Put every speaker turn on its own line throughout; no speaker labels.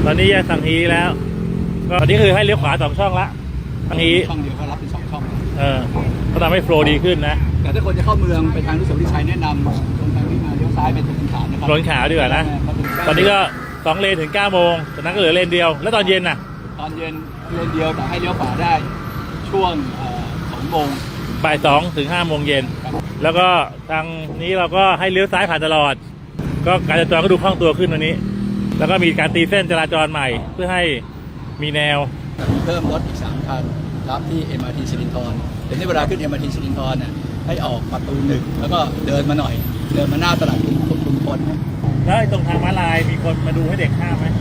ตอนนี้แยกสังฮีแล้วก็ตอนนี้คือให้เลี้ยวขวา2 ช่องละสังฮี
ช่องเดียวก็รับเป็น2 ช่อง
ก็ทำให้โฟล์ดีขึ้นนะ
แต่ถ้าคนจะเข้าเมืองไปทางอนุสาวรีย์ชัยแนะนำตรงทางนี้มาเลี้ยวซ้ายไปถนนขาวนะครับ
ถนนขาวดีกว่านะตอนนี้ก็2 เลนถึง 9 โมงจากนั้นก็เหลือเลนเดียวแล้วตอนเย็นน่ะ
ตอนเย็นเลนเดียวแต่ให้เลี้ยวขวาได้ช่วง2 โมง
บ่าย 2 ถึง 5 โมงเย็นแล้วก็ทางนี้เราก็ให้เลี้ยวซ้ายผ่านตลอดก็การจราจรก็ดูคล่องตัวขึ้นวันนี้แล้วก็มีการตีเส้นจราจรใหม่เพื่อให้มีแนว
มีเพิ่มรถอีก3 คันรับที่ MRT สิรินธรแต่ในเวลาขึ้น MRT สิรินธรเนี่ยให้ออกประตู 1แล้วก็เดินมาหน่อยเดินมาหน้าตลาดควบคุมคน
แล้วตรงทางม้าลายมีคนมาดูให้เด็กข้ามไหม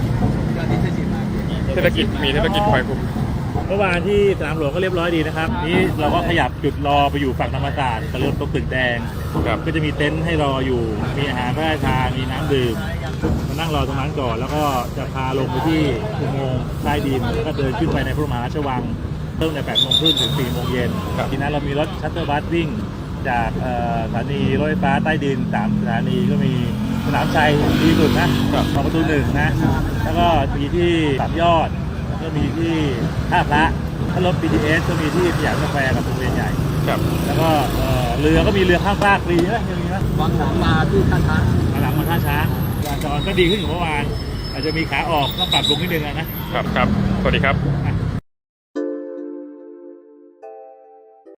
เทศกิจมีเทศกิจคอยคุม
เมื่อวานที่สนามหลวงก็เรียบร้อยดีนะครับนี่เราก็ขยับจุดรอไปอยู่ฝั่งธรรมศาสตร์กับรถตรงตึกแดงก็จะมีเต็นท์ให้รออยู่มีอาหารพระราชทานมีน้ำดื่มมานั่งรอตรงนั้นก่อนแล้วก็จะพาลงไปที่อุโมงค์ใต้ดินแล้วก็เดินขึ้นไปในพระบรมมหาราชวังเริ่มใน 8 โมงครึ่งถึง 4 โมงเย็นทีนั้นเรามีรถชัตเตอร์บัสวิ่งจากสถานีรถไฟฟ้าใต้ดิน3 สถานีก็มีสนามชัยดีสุดนะของประตู 1นะแล้วก็มีที่3 ยอดก็มีที่ท่าพระถ้ารถ BTS ก็มีที่สยามสแควร์กับโรงเรียนใหญ่แล้วก็เรือก็มีเรือข้ามฟากฟรีนะยังมีไหม
วางหลังมาที่ท่าช้าง
หลังมาท่าช้างจราจรก็ดีขึ้นกว่าเมื่อวานอาจจะมีขาออกต้องปรับลงนิดนึงนะครับ
สวัสดีครับ